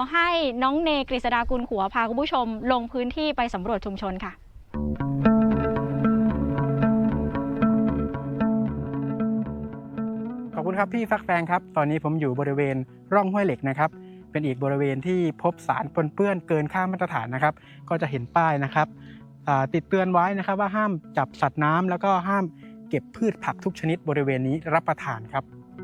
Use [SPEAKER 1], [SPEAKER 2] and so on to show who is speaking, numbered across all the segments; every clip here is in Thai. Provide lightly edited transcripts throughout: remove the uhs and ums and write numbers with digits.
[SPEAKER 1] ให้น้องเนกฤษดากุลขัวพาคุณผู้ชมลงพื้นที่ไปสำรวจชุมชนค่ะ
[SPEAKER 2] ขอบคุณครับพี่ฟักแฟงครับตอนนี้ผมอยู่บริเวณร่องห้วยเหล็กนะครับเป็นอีกบริเวณที่พบสารปนเปื้อนเกินค่ามาตรฐานนะครับก็จะเห็นป้ายนะครับติดเตือนไว้นะครับว่าห้ามจับสัตว์น้ำแล้วก็ห้ามเก็บพืชผักทุกชนิดบริเวณนี้รับประทานครับ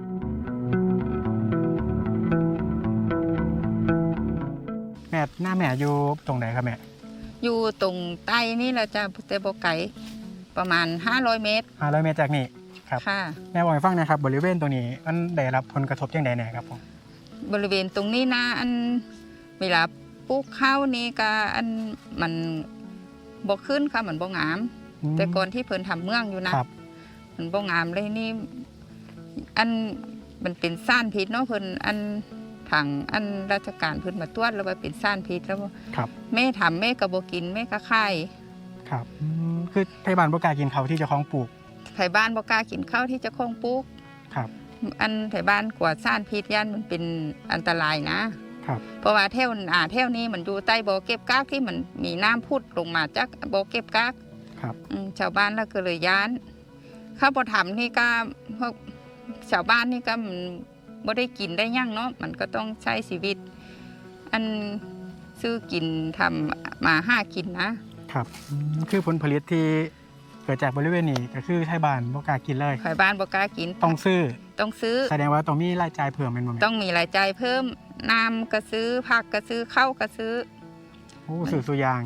[SPEAKER 2] แม่หน้าแม่อยู่ตรงไหนครับแม่
[SPEAKER 3] อยู่ตรงใต้นี่แหละจ้ะแต่บ่ไกลประมาณ500 เมตร
[SPEAKER 2] 500 เมตรจากนี่ครับ
[SPEAKER 3] ค่ะ
[SPEAKER 2] แม่บอกให้ฟังนะครับบริเวณตรงนี้มันได้รับผลกระทบอย่างไรแน่ครับผม
[SPEAKER 3] บริเวณตรงนี้นะอันเวลาปลูกข้าวนี่ก็อันมันบ่ขึ้นค่ะมันบ่งามแต่ก่อนที่เพิ่นทำเมืองอยู่นะมันบ่งามเลยนี่อันมันเป็นซ่านพิษเนาะเพิ่นอันผังอันราชการเพิ่นมาตรวจแล้วว่าเป็นซ่านพิษแล้วแม่ทำแม่ก็บ่กินแม่ก็ขาย
[SPEAKER 2] ครับคือไทบ้านบ่กล้ากินเขาที่เจ้าของปลูก
[SPEAKER 3] ไทบ้านบ่กล้ากินข้าวที่เจ้าของปลูก
[SPEAKER 2] ครับ
[SPEAKER 3] อันไทบ้านกว่าซ่านพิษย่านมันเป็นอันตรายนะครับเพราะว่าแถวนี้มันอยู่ใต้บ่อเก็บก๊ากที่มันมีน้ำพุดลงมาจากบ่อเก็บก๊าก
[SPEAKER 2] ครับ
[SPEAKER 3] ชาวบ้านแล้วก็เลยย้านข้าวบ่ทำนี่ก็พวกชาวบ้านนี่ก็มันบ่ได้กินได้ยั่งเนาะมันก็ต้องใช้ชีวิตอันซื้อกินทำมาหากิน
[SPEAKER 2] นะครับคือผลผลิตที่เกิดจากบริเวณนี้ก็คือไทบ้านบ่กล้ากินเลย
[SPEAKER 3] ไทบ้านบ่กล้ากิน
[SPEAKER 2] ต้องซื้อแสดงว่าต้องมีรายจ่ายเพิ่มเป็นบ่
[SPEAKER 3] ต้องมีรายจ่ายเพิ่มน้ำก็ซื้อผักก็ซื้อข้าวก็ซื้อ
[SPEAKER 2] ซื้อทุกอย่าง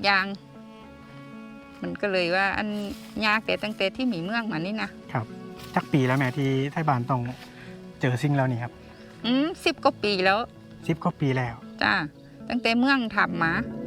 [SPEAKER 3] มันก็เลยว่าอันยากแต่ตั้งแต่ที่มีเมืองมานี่
[SPEAKER 2] นะครับจักปีแล้วแม่ที่ไทบ้านต้องเจอสิ่งแล้วนี่ครับ
[SPEAKER 3] 10 กว่าปีแล้ว
[SPEAKER 2] 10 กว่าปีแล้ว
[SPEAKER 3] จ้าตั้งแต่เมืองทำมา